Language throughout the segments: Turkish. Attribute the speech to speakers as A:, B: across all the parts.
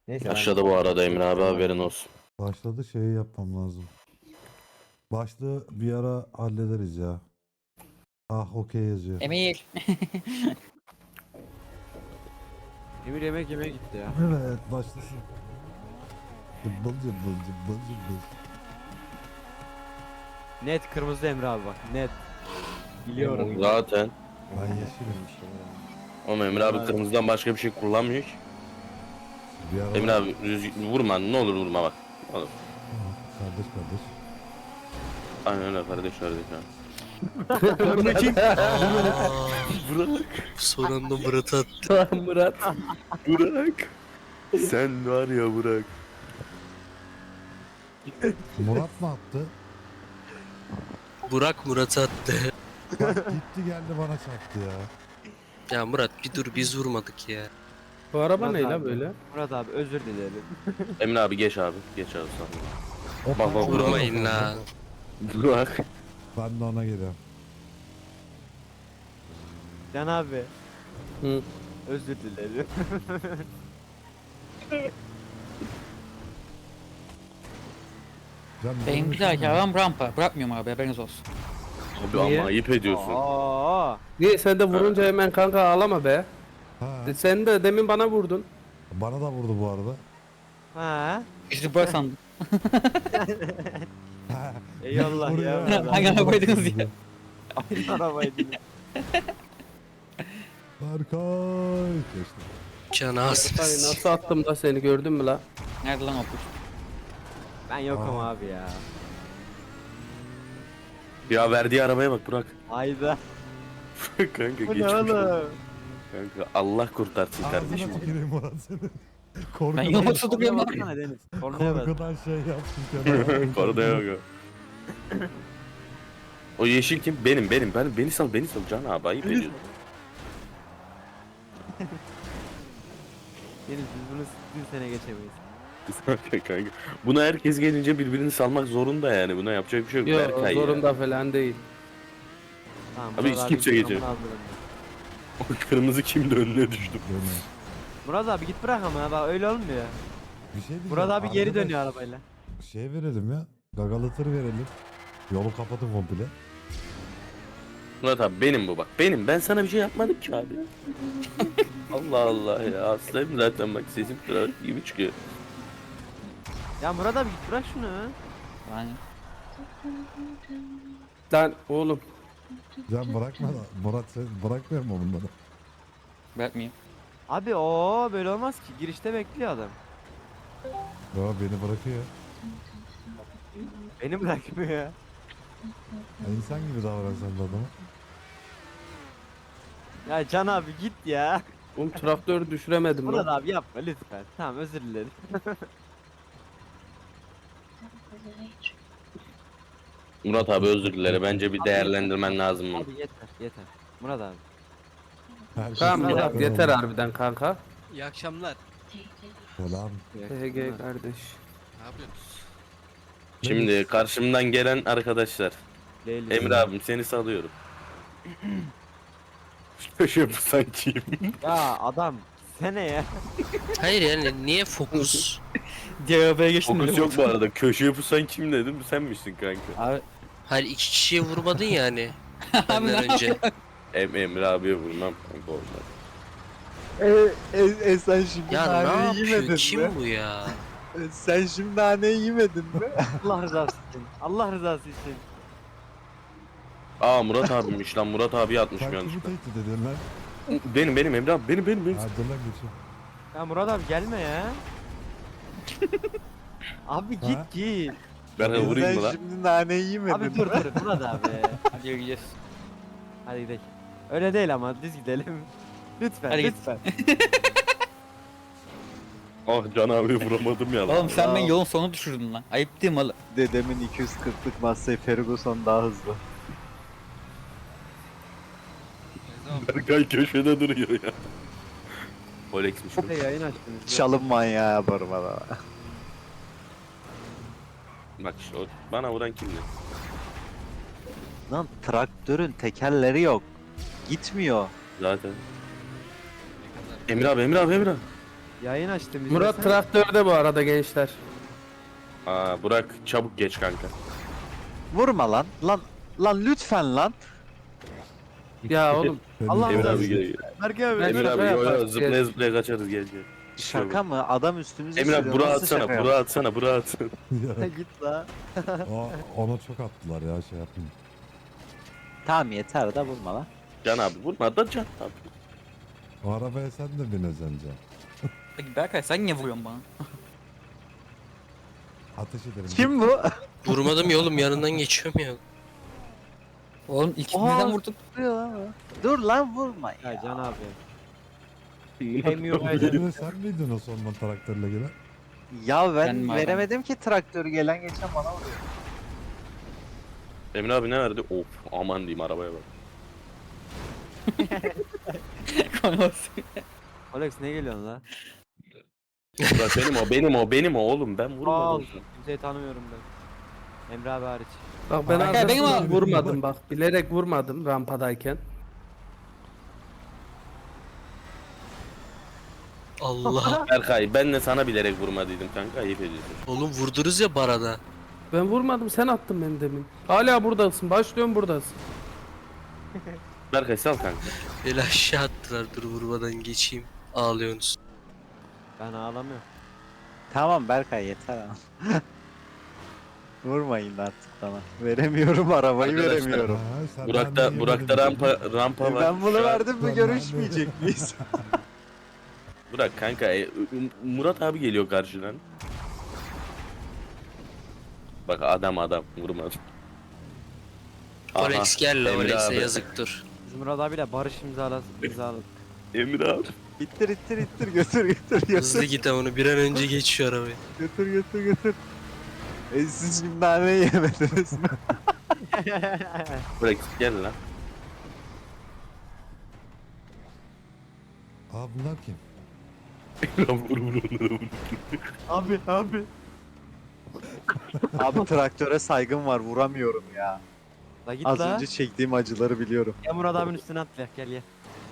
A: Neyse ben
B: Aşağıda bu arada Emre abi haberin olsun.
C: Başladı şeyi yapmam lazım. Başlığı bir ara hallederiz ya. Ah okey yazıyor.
D: Emir.
A: Emir yemek yemeye gitti ya.
C: Evet başlasın. Cıbbıl cıbbıl cıbbıl cıbbıl.
A: Net kırmızı Emre abi bak net. Biliyorum.
B: Zaten.
C: Ben yeşilim.
B: Ama Emre abi kırmızıdan başka bir şey kullanmıyor ki.
C: Bir ara...
B: Emre abi vurma, ne olur vurma bak. Oğlum.
C: Kardeş kardeş.
B: Aynen öyle kardeş abi.
E: Burak. Son anda Murat attı.
B: Murat. Burak. Sen var ya Burak.
C: Murat mı attı?
E: Burak Murat attı.
C: Bak gitti geldi bana çarptı ya.
E: Ya Murat bir dur biz vurmadık ya.
F: Bu araba
A: Murat
F: ne
A: abi.
F: la böyle?
A: Murat abi özür dilerim.
B: Emre abi geç abi. Geç abi sana.
C: Hoppa,
B: bak,
E: Vurmayın la.
B: Burak.
C: Ben de ona geliyorum.
A: Can abi.
F: Hı.
A: Özür dilerim.
C: Can,
D: Benim bir dahaki arabam rampa. Bırakmıyorum abi, haberiniz olsun.
B: Abi
F: Niye?
B: ama ayıp ediyorsun.
A: Aa.
F: Niye sen de vurunca hemen kanka ağlama be.
C: Ha,
F: Sen de demin bana vurdun.
C: bana da vurdu bu arada.
A: Ha.
D: İşte böyle sandım.
C: Ha,
A: Eyvallah
C: vuruyor
A: ya.
C: ya.
D: Hangi arabaydınız ya?
A: Aynı arabaydı.
C: Berkay. Geçtim.
E: Can
F: Ay,
E: ağzını
F: nasıl attım da seni gördün mü la?
D: Nerede lan o kuş?
A: Ben yokum
C: Aa.
A: abi ya.
B: Ya verdiği arabaya bak Burak.
A: Hayda.
B: Kanka
A: Bu ne
B: geçmiş olsun.
A: oğlum?
B: Kanka Allah kurtarsın kardeşim.
C: Ağzına tüküreyim Murat seni.
D: Ben
C: Korkudan,
D: yolda duruyorum lan.
A: Baksana Deniz. Kornaya bak.
C: korkudan şey yaptım kenara.
B: Koruda yok. O yeşil kim? Benim. Beni sal Can abi ayıp ediyorsun.
A: Deniz biz bunu bir sene geçemeyiz.
B: Kanka. Buna herkes gelince birbirini salmak zorunda yani. Buna yapacak bir şey yok.
F: Yok
B: Berkay
F: zorunda
B: ya.
F: falan değil.
A: Tamam.
B: Abi
A: Murat
B: hiç kimse
A: git,
B: geçemez.
A: amına koyayım.
B: O kırmızı kimdi önüne düştüm.
C: Dönüyor.
A: Murat abi git bırak ama bak öyle olmuyor.
C: Bir şey diyeceğim.
A: Murat abi geri
C: Arkadaş,
A: dönüyor arabayla.
C: Şey verelim ya. Gagalatır verelim. Yolu kapatın komple.
B: Murat abi benim bu bak. Benim. Ben sana bir şey yapmadım ki abi. Allah Allah ya. Hastayım zaten bak sesim kırar gibi çıkıyor.
A: Ya Murat abi git bırak şunu.
D: Yani
F: Lan oğlum.
C: Can bırakma da. Murat sen bırakmıyor mu bunları?
D: bırakmayayım.
A: Abi o böyle olmaz ki. Girişte bekliyor adam.
C: Ya beni bırakıyor.
A: Beni bırakmıyor ya.
C: Ya insan gibi davran sen de adama.
A: Ya Can abi git ya.
F: Oğlum traktörü düşüremedim
A: Murat
F: lan.
A: abi yapma lütfen. Tamam özür dilerim.
B: Murat abi özür dilerim. Bence bir değerlendirmen lazım bunu.
A: Abi yeter. Murat abi.
C: Herkes
F: Tamam
A: Murat
F: Murat
C: bırakıyor
F: yeter
C: onu.
F: harbiden kanka.
E: İyi akşamlar.
C: Selam.
F: HG kardeş.
E: Ne yapıyorsunuz?
B: Şimdi karşımdan gelen arkadaşlar.
A: Leyli.
B: Emre abim seni salıyorum. Köşe bu sanki.
A: Ya adam sene ya.
E: Hayır yani niye fokus?
D: Diğer arabaya geçtim.
B: Fokus
D: dedim.
B: yok bu arada. Köşeye pusan kim dedim? Sen misin kanka?
D: Abi,
E: Hayır iki kişiye vurmadın yani. Benden önce.
B: Emre abiye vurmam kanka olmaz.
G: Sen şimdi
E: Ya ne
G: naneyi
E: yapıyor?
G: yemedin
E: Kim
G: mi?
E: bu ya?
G: Sen şimdi naneyi yemedin mi?
A: Allah rızası için. Allah rızası için.
B: Aa Murat abimmiş lan. Murat abi atmışım
C: Sen kimi
B: yanlışlıkla.
C: tehdit ediyorsun lan?
B: Benim Emre abi. Benim.
C: Hadi lan geçin.
A: Ya Murat abi gelme ya. Abi
C: Ha?
A: git.
B: Ben vurayım
G: Sen
B: mı lan?
G: şimdi naneyi yemedin
A: Abi
G: mi?
A: dur Murat abi.
D: hadi yürüyeceğiz.
A: Hadi gidelim. Öyle değil ama düz gidelim. Lütfen
D: Hadi git.
A: lütfen.
B: Ah Can abi vuramadım ya lan.
D: Oğlum sen beni yolun sonuna düşürdün lan. Ayıp değil mi oğlum?
G: Dedemin 240'lık Massey Ferguson daha hızlı.
B: Berkay köşede duruyor ya. Polex'miş bu.
A: Bir de yayın açtınız.
G: Çalım manyağı yaparım adama.
B: Bak işte o bana vuran kimdi?
G: Lan traktörün tekerleri yok. Gitmiyor.
B: Zaten. Emre abi.
A: Yayın açtım.
F: Murat
A: izlesene.
F: traktörde bu arada gençler.
B: Aa Burak çabuk geç kanka.
G: Vurma lan. Lan lütfen lan.
F: Ya oğlum
C: Benim
A: Allah
B: Emir
A: Allah.
B: abi gel.
A: Berke abi.
F: Ben
B: Emir
F: şaka
B: abi yo yo
F: yaparız,
B: zıplaya
F: gel.
B: zıplaya kaçarız gel gel.
G: Şaka mı? Adam üstümüze
B: Emir abi
G: sürüyor.
B: Burak'ı
G: Nasıl
B: atsana,
G: şaka
B: Burak'ı atsana, Burak'ı atsana.
C: Ya,
A: Git la.
C: ona çok attılar ya şey yapayım.
G: Tamam yeter da vurma lan.
B: Can abi vurma da Can abi.
C: O arabaya sen de bineceksin Can.
D: Peki Berkay sen niye vuruyorsun bana?
C: Ateş ederim.
G: Kim bu?
E: Vurmadım ya oğlum, yanından geçiyorum ya.
D: Oğlum ilk
G: Oha.
D: birden vurduk.
G: Dur lan vurma ya.
A: Ya Can abi. Emiyor bence.
C: Emre sen miydin o sondan traktörle gelen?
G: Ya
D: Ben
G: ben
D: mi
G: veremedim ki traktörü gelen geçen bana vuruyor.
B: Emir abi ne verdi? Of aman diyeyim arabaya bak.
A: Alex ne geliyorsun la?
B: Burak benim o oğlum ben
A: Al.
B: vurmadım.
A: Kimseyi tanımıyorum ben. Emre abi hariç.
F: bak ben
D: Berkay, benim
F: arkasından
C: abi.
F: vurmadım bak. Bilerek vurmadım rampadayken.
E: Allah.
B: Berkay ben de sana bilerek vurmadıydım kanka ayıp ediyorsun.
E: Oğlum vurdunuz ya barada.
F: Ben vurmadım, sen attın beni demin. Hala buradasın. Başlıyorum buradasın.
B: Berkay sal kanka.
E: Beni aşağı attılar, dur vurmadan geçeyim. Ağlıyorsunuz.
A: Ben ağlamıyorum.
G: Tamam Berkay yeter ama. Vurmayın artık bana. Veremiyorum arabayı
B: Arkadaşlar,
G: veremiyorum.
C: Ha, sen
B: Burak'ta
C: ben
B: Burak'ta rampa var.
G: Ben bunu
B: Şu an-
G: verdim mi
C: Ben-
G: görüşmeyecek miyiz?
B: Burak kanka Murat abi geliyor karşıdan. Bak adam vurmadı. Aha,
E: Alex gel la,
B: Emre
E: Alex'e
B: abi.
E: yazık dur.
A: Biz Murat abiyle barış imzaladık.
B: Emir abi.
G: ittir götür
E: Hızlı git ama onu, bir an önce geç şu arabayı.
G: götür. Siz şimdi nane yemediniz mi?
B: Burak gel lan.
C: Aa bunlar kim?
B: Vur onlara vur.
A: Abi.
G: Abi traktöre saygım var vuramıyorum ya.
A: La git
G: Az
A: la.
G: önce çektiğim acıları biliyorum.
A: Ya Murat abinin üstüne atla gel ye.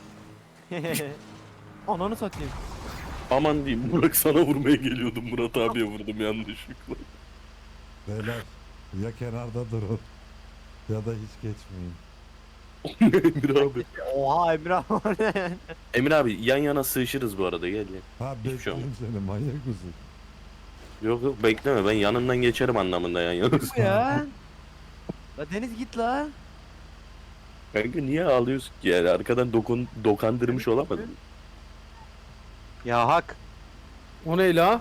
A: Ananı satayım.
B: Aman diyeyim Burak sana vurmaya geliyordum Murat abiye vurdum yanlışlıkla.
C: Beyler ya kenarda durun ya da hiç geçmeyin.
B: Emir abi.
A: Oha Emre abi.
B: Emir abi yan yana sığışırız bu arada gel gel.
C: Ha
B: Hiçbir şey
C: bekliyorum seni manyak mısın?
B: Yok bekleme ben yanından geçerim anlamında yan yana.
A: Bu ya. La Deniz git la.
B: Kanka niye ağlıyorsun ki yani arkadan dokandırmış olamadın.
G: Ya hak.
F: O ne la?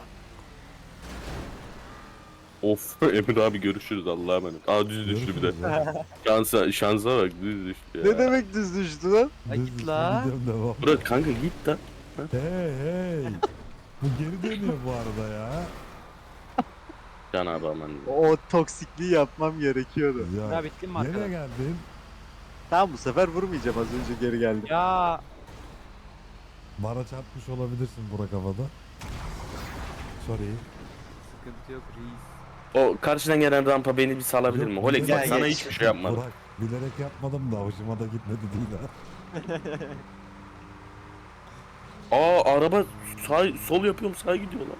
B: Of Emir abi görüşürüz Allah'a emanet. Aa düz düştü bir de.
C: Görüşürüz ya.
B: Şansa bak düz düştü ya.
G: Ne demek düz düştü lan?
A: La
C: Düz
A: git
C: üstüne
A: la.
C: gidiyorum, devam.
B: Burak kanka git lan.
C: Hey. Bu geri dönüyor bu arada ya.
B: Can abi aman.
G: O toksikliği yapmam gerekiyordu.
A: Ya bittin mi
C: Nereye
A: arkadaş?
C: geldin?
G: Tamam bu sefer vurmayacağım, az önce geri geldim.
A: Ya
C: Bana çarpmış olabilirsin Burak havada. Sorry.
A: sıkıntı yok reis.
B: O karşıdan gelen rampa beni bir salabilir mi?
C: Yok,
B: Olex bak
G: gel,
B: sana
G: geç.
B: hiçbir şey yapmadım.
C: Burak bilerek yapmadım da hoşuma da gitmedi değil ha.
B: Aa araba sol yapıyorum sağa gidiyor lan.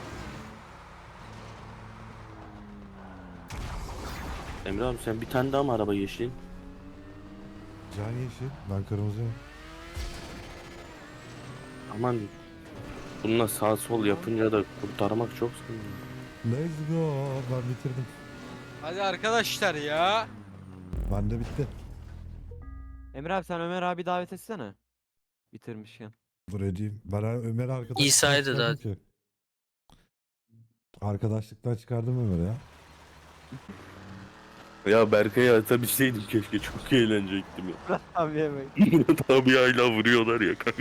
B: Emre abi sen bir tane daha mı araba yeşilin?
C: Can yeşil, ben kırmızıyım.
B: Aman bununla sağ sol yapınca da kurtarmak çok zor.
C: Let's go. Ben bitirdim.
H: Hadi arkadaşlar ya.
C: Bende bitti.
A: Emre abi sen Ömer abi davet etsene. Bitirmişken.
C: Dur edeyim. Ben Ömer'i arkadaşlıktan
E: İsa'yı da
C: çıkardım ki. Arkadaşlıktan çıkardım Ömer'i ya.
B: Ya Berkay'a atabilseydim keşke çok eğlenecektim ya.
A: Abi yemeyin.
B: Murat abi hala vuruyorlar ya kanka.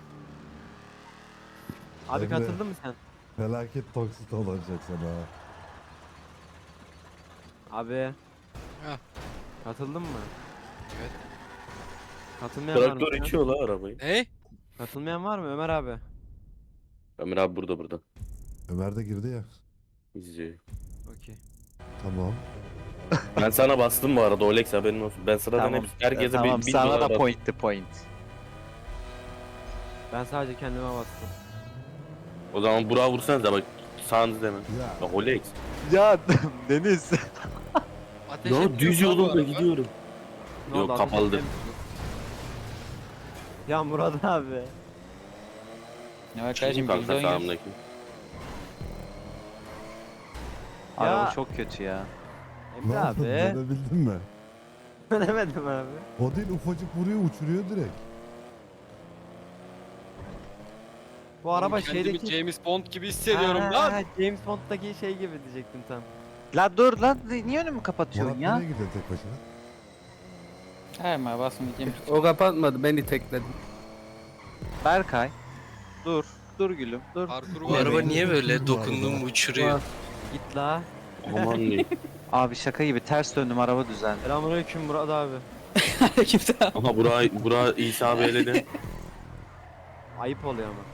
A: Abi
C: Emre.
A: katıldın mı sen?
C: Felaket toksit olacak sana.
A: Abi.
H: Heh.
A: Katıldın mı?
H: Evet.
A: Katılmayan var mı?
B: Traktör
A: sen?
B: içiyor la arabayı.
H: Ne?
A: Katılmayan var mı Ömer abi?
B: Ömer abi burada.
C: Ömer de girdi ya.
B: İzliyor.
A: Okey.
C: Tamam.
B: Ben sana bastım bu arada Olex haberin olsun. Ben sıradan
G: Tamam.
B: herkese
G: Tamam
B: bir
G: sana
B: dolar
G: da
B: bastım.
G: point to point.
A: Ben sadece kendime bastım.
B: O zaman Burak'a vursanıza bak. Sağınızda hemen.
C: Ya
B: Ya Rolex.
G: Ya Deniz.
H: Ateş
B: Ya
H: etmiyor
B: düz
H: lan bu
B: yolda
H: araba.
B: gidiyorum.
A: Ne
B: Yok,
A: oldu,
B: kapalıdır.
A: ateş etmemiş mi? Ya Murat abi.
D: Ya
B: Şimdi
D: kardeşim
B: kanka
D: birlikte oynuyoruz.
B: sağımdaki.
G: Araba çok kötü ya.
A: Emre
C: ne oldu?
A: abi.
C: Dönebildin mi?
A: Dönemedim abi.
C: O değil, ufacık vuruyor, uçuruyor direkt.
A: Bu araba
H: Oğlum kendimi
A: şeydeki...
H: James Bond gibi hissediyorum
A: Ha,
H: lan.
A: James Bond'daki şey gibi diyecektim tam.
G: La dur lan niye önümü kapatıyorsun
C: Murat
G: ya?
C: nereye gidiyor tek başına?
D: Hayır ma basın gideyim.
F: O kapatmadı beni tekledim.
G: Berkay. Dur. Dur gülüm dur.
H: Parkuru
E: Bu
H: var.
E: araba
H: benim.
E: niye böyle
C: Bu
E: dokundum
C: araba.
E: uçuruyor?
A: Git la.
B: Aman diyeyim.
G: Abi şaka gibi ters döndüm araba düzeldi.
A: Selamünaleyküm Murat abi.
D: Kimse
B: Aha Burak İsa abi eledi.
A: Ayıp oluyor ama.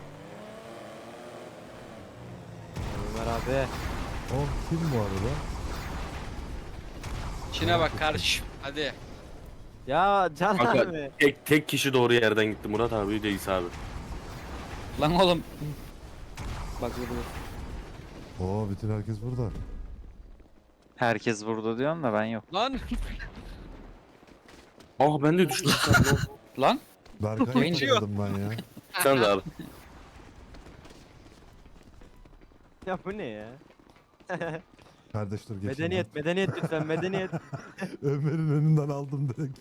A: Ömer abi.
C: O kim bu arada?
H: İçine bak kardeşim. Hadi.
A: Ya Can
B: Kanka,
A: abi.
B: tek kişi doğru yerden gitti. Murat abi de İsa abi.
D: Lan oğlum. Bak burada.
C: Oo, bütün herkes burada.
G: Herkes burada diyorsun da ben yok.
H: Lan.
B: Ah ben de düştüm.
D: Lan.
C: Berkay'ı
D: Oyuncu.
C: takıldım ben ya.
B: Sen de abi.
A: Ya bu ne ya?
C: Kardeş dur geçeyim
A: Medeniyet, medeniyet lütfen, medeniyet.
C: ben. Ömer'in önünden aldım direkt.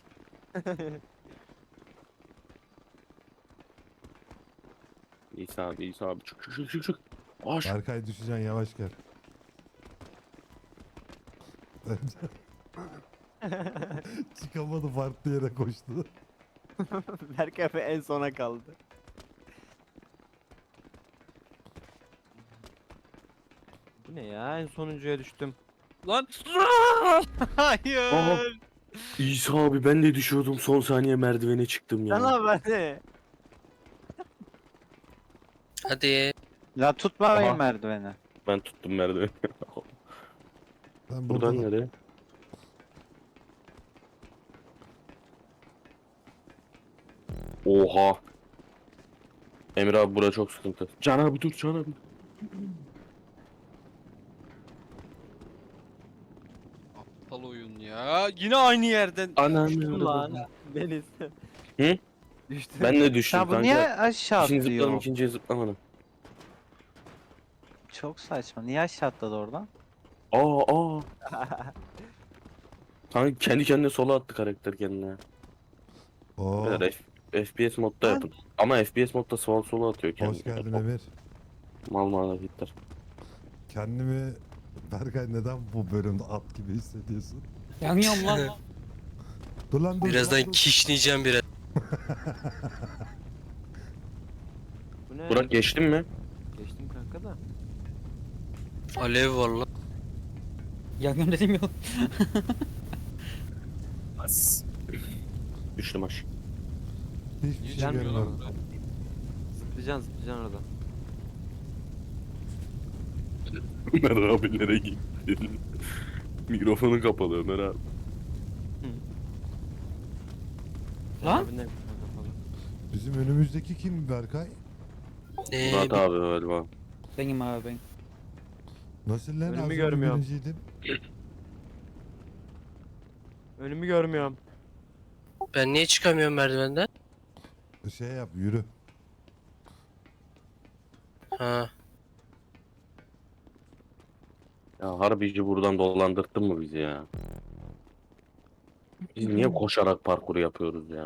B: İsa abi çık. Aş.
C: Berkay düşeceksin, yavaş gel. Çıkamadı, farklı yere koştu.
A: Berkay abi en sona kaldı. Bu ne ya? En sonuncuya düştüm.
H: Lan. Hayır.
B: Aha. İsa abi ben de düşüyordum, son saniye merdivene çıktım ya.
A: Can abi ne?
E: Hadi.
G: La tutmayın
B: Aha.
G: merdiveni.
B: Ben tuttum merdiveni.
C: Ben
B: Buradan
C: burada
B: nereye? Oha. Emre abi bura çok sıkıntı. Can abi dur Can abi.
H: Aptal oyun ya. Yine aynı yerden.
A: Düştüm lan. Deniz.
B: Hı?
A: Düştüm.
B: Ben de düştüm
G: Ya bu
B: kanka.
G: niye aşağı
B: İkinci zıpladım,
G: atlıyor?
B: ikinciye zıplamadım.
G: Çok saçma. Niye aşağı atladı oradan?
B: Aa. Kanka kendi kendine sola attı karakter kendine.
C: Oo,
B: Beyler, FPS modda yapın. Ama FPS modda sola atıyor kendini.
C: hoş geldin Emir.
B: Mal hareketler.
C: Kendimi Berkay, neden bu bölümde at gibi hissediyorsun?
D: Yanıyorum lan.
C: Dur lan dur.
E: Birazdan
C: lan, dur.
E: kişneyeceğim biraz.
A: Bu ne?
B: Burak geçtin mi?
A: Geçtim kanka da.
E: Alev var lan.
D: Yanıyorum dedim ya.
B: Düştüm aşağı.
C: Hiçbir şey
A: Gelmiyor lan
C: görmüyorum.
A: Zıplayacaksın orada.
B: Ömer abilere gitti. Mikrofonu kapalı Ömer abi.
D: Lan?
A: Abi ne kapalı.
C: Bizim önümüzdeki kim Berkay?
B: Murat abi galiba.
D: Benim abi ben.
C: Nasıl lan?
A: Önümü
C: Az önce
A: görmüyorum.
C: birinciydin.
A: Önümü görmüyorum.
E: Ben niye çıkamıyorum merdivenden?
C: Şey yap, yürü.
E: Ha.
B: Ya harbici buradan dolandırttın mı bizi ya? Biz niye koşarak parkuru yapıyoruz ya?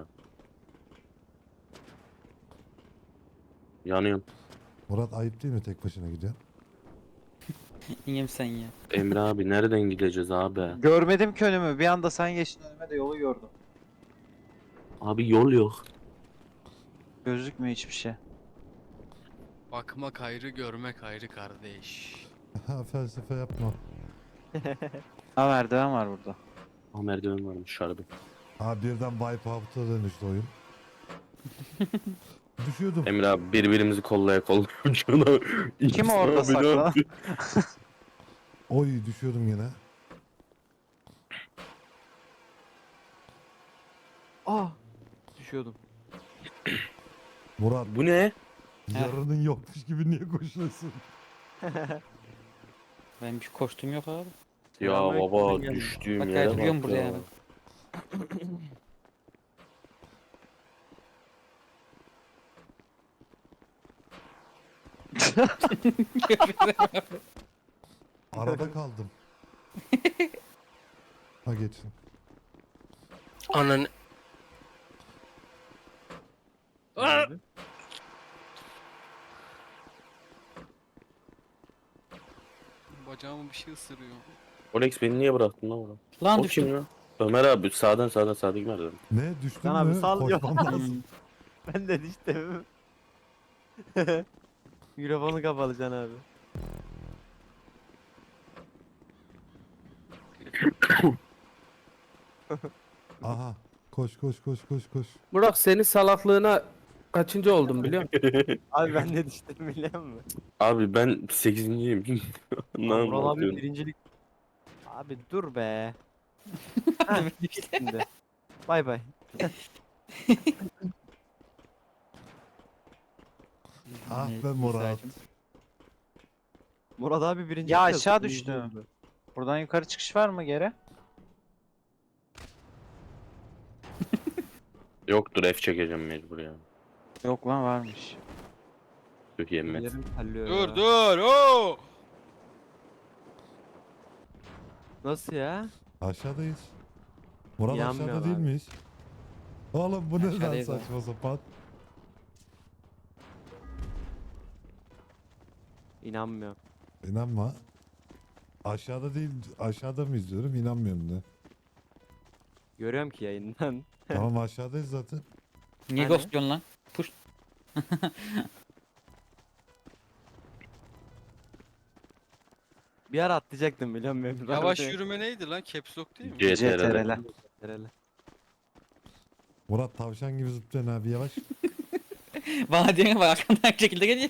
B: Yanıyorum.
C: Murat, ayıp değil mi tek başına gidiyorsun?
D: İyiyim sen ya.
B: Emre abi nereden gideceğiz abi?
G: Görmedim ki önümü. Bir anda sen geçtin önüme de yolu gördüm.
B: Abi yol yok.
G: Gözükmüyor hiçbir şey.
H: Bakmak ayrı, görmek ayrı kardeş.
C: Ha, felsefe yapma.
G: Ha merdiven var burada.
B: Ah merdiven varmış harbi.
C: Ha, birden Wipeout'a dönüştü oyun. Düşüyordum.
B: Emre abi birbirimizi kollaya şuna.
G: Kim orada saklı?
C: Oy, düşüyordum yine.
A: Ah! Düşüyordum.
C: Murat,
B: Bu ne?
C: Yarının yokmuş gibi niye koşuyorsun?
D: Benim bir koştum yok abi.
B: Ya
A: Selamünaleyküm,
B: baba
A: ben geldim.
B: düştüğüm
D: Bak,
B: yere
D: duruyorum
B: bak
D: burada
B: ya.
D: yani.
C: Arada kaldım. Ha geçsin.
E: Anan.
A: Abi.
H: Bacağımı bir şey ısırıyor.
B: Olex beni niye bıraktın lan orada?
D: Lan
B: O
D: düştüm.
B: kim lan? Ömer abi sağdan sağdaki nereden?
C: Ne düştün
A: Lan abi
C: mü?
A: sal yok.
C: Koşmam lazım.
A: Ben de düştüm. Mikrofonu kapalı Can abi.
C: Aha. Koş koş koş koş koş.
F: Burak senin salaklığına kaçıncı oldum biliyor musun?
A: Abi ben de düştüm biliyor musun?
B: Abi ben 8.'yim. Ne
A: Vural abi
B: anlatıyorsun?
A: birincilik. Abi dur be.
D: Düştüm.
A: Şimdi. Bay bay.
C: Ah
D: Evet,
C: be Murat.
D: İsa'cığım.
A: Murat abi birinci.
G: Ya
A: kız,
G: aşağı
A: birinci
G: düştüm.
A: oldu.
G: Buradan yukarı çıkış var mı geri?
B: Yoktur F çekeceğim mecbur ya.
G: Yok lan varmış.
B: Çok yemin.
A: Yerim terliyor
H: Dur
A: ya.
H: dur. Oo.
A: Nasıl ya?
C: Aşağıdayız. Murat
A: İnanmıyorum
C: aşağıda değil
A: abi.
C: miyiz? Oğlum bu ne lan
D: Aşağıdayız abi.
C: saçma sapan.
A: İnanmıyorum.
C: İnanma. Aşağıda değil, aşağıda mı izliyorum? İnanmıyorum de.
A: Görüyorum ki yayından.
C: Tamam aşağıdayız zaten.
D: Niye
A: Hani?
D: ghostluyorsun lan? Push.
A: Bir ara atlayacaktım biliyor musun? Emre
H: Yavaş
A: abi?
H: yürüme neydi lan? Caps lock değil mi?
B: CTRL.
G: CTRL.
A: Herhalde.
C: Murat tavşan gibi zıplayan abi yavaş.
D: Bana diyorsun bak arkamdan bir şekilde geliyor.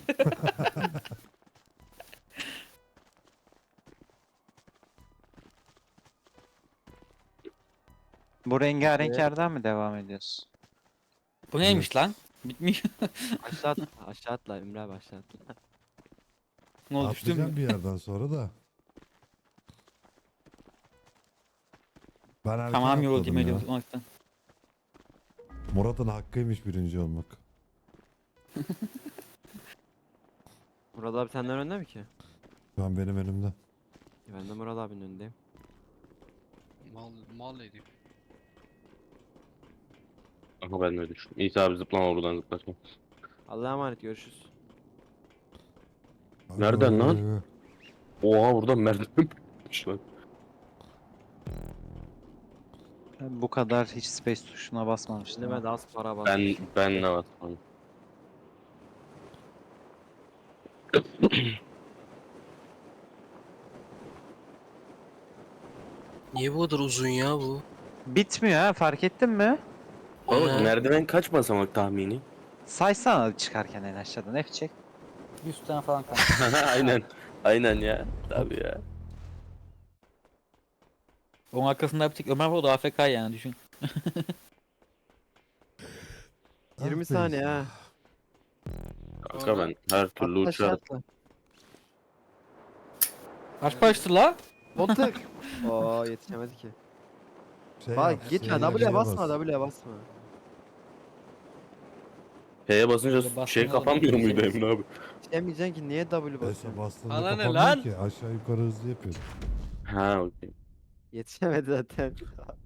G: Bu rengarenk
A: Evet.
G: yerden mi devam ediyorsun?
D: Bu neymiş lan? Bitmiyor.
A: Aşağı atla. Aşağı atla Emre abi aşağı atla.
D: Ne oldu düştüm
C: Atlayacağım
D: mü?
C: bir yerden sonra da. Ben erken
D: Tamam yol
C: atladım
D: değil
C: ya.
D: mi? Olmaktan.
C: Murat'ın hakkıymış birinci olmak.
A: Murat abi senden önde mi ki?
C: Şu an benim önümde.
A: Ben de Murat abinin önündeyim.
H: Mal herif.
B: Ama ben de düştüm. İsa abi zıplama buradan zıplasın.
A: Allah'a emanet görüşürüz.
B: Nereden lan? Oha buradan merdiven yapmış lan.
G: Bu kadar hiç space tuşuna basmamıştım.
A: Şimdi ben
G: ha.
A: de az para bastım.
B: Ben ne basmadım.
E: Niye bu kadar uzun ya bu?
G: Bitmiyor ha fark ettin mi?
B: Oğlum
E: Ha.
B: merdiven kaç basamak tahmini?
G: Saysana çıkarken en aşağıdan F çek.
D: 100 tane falan kaldı.
B: Aynen. Aynen ya. Tabii ya.
D: Onun arkasında bir tek Ömer var o da AFK yani düşün.
A: 20
C: Ah be
A: saniye
C: İsa.
A: ha.
B: Kanka ben her türlü
A: Atla aşağı
B: uçarım.
A: atla.
D: Kaç baştı la?
A: Botuk. Oo yetişemedi ki.
C: Şey
A: Bak
C: yap,
A: gitme
C: C'ye
A: W'ye
C: bas.
A: basma W'ye basma.
B: P'ye basınca
D: Böyle
B: şey
D: basmalar
B: kapanmıyor
D: da
B: muydu
D: güzel.
B: Emre abi?
A: Yetişemeyeceksin ki niye W
C: Esa
A: basıyorsun?
C: bastığında
H: Bana ne
C: kapanmıyor
H: lan?
C: ki aşağı yukarı hızlı yapıyor.
B: Ha okey.
A: Yetişemedi zaten.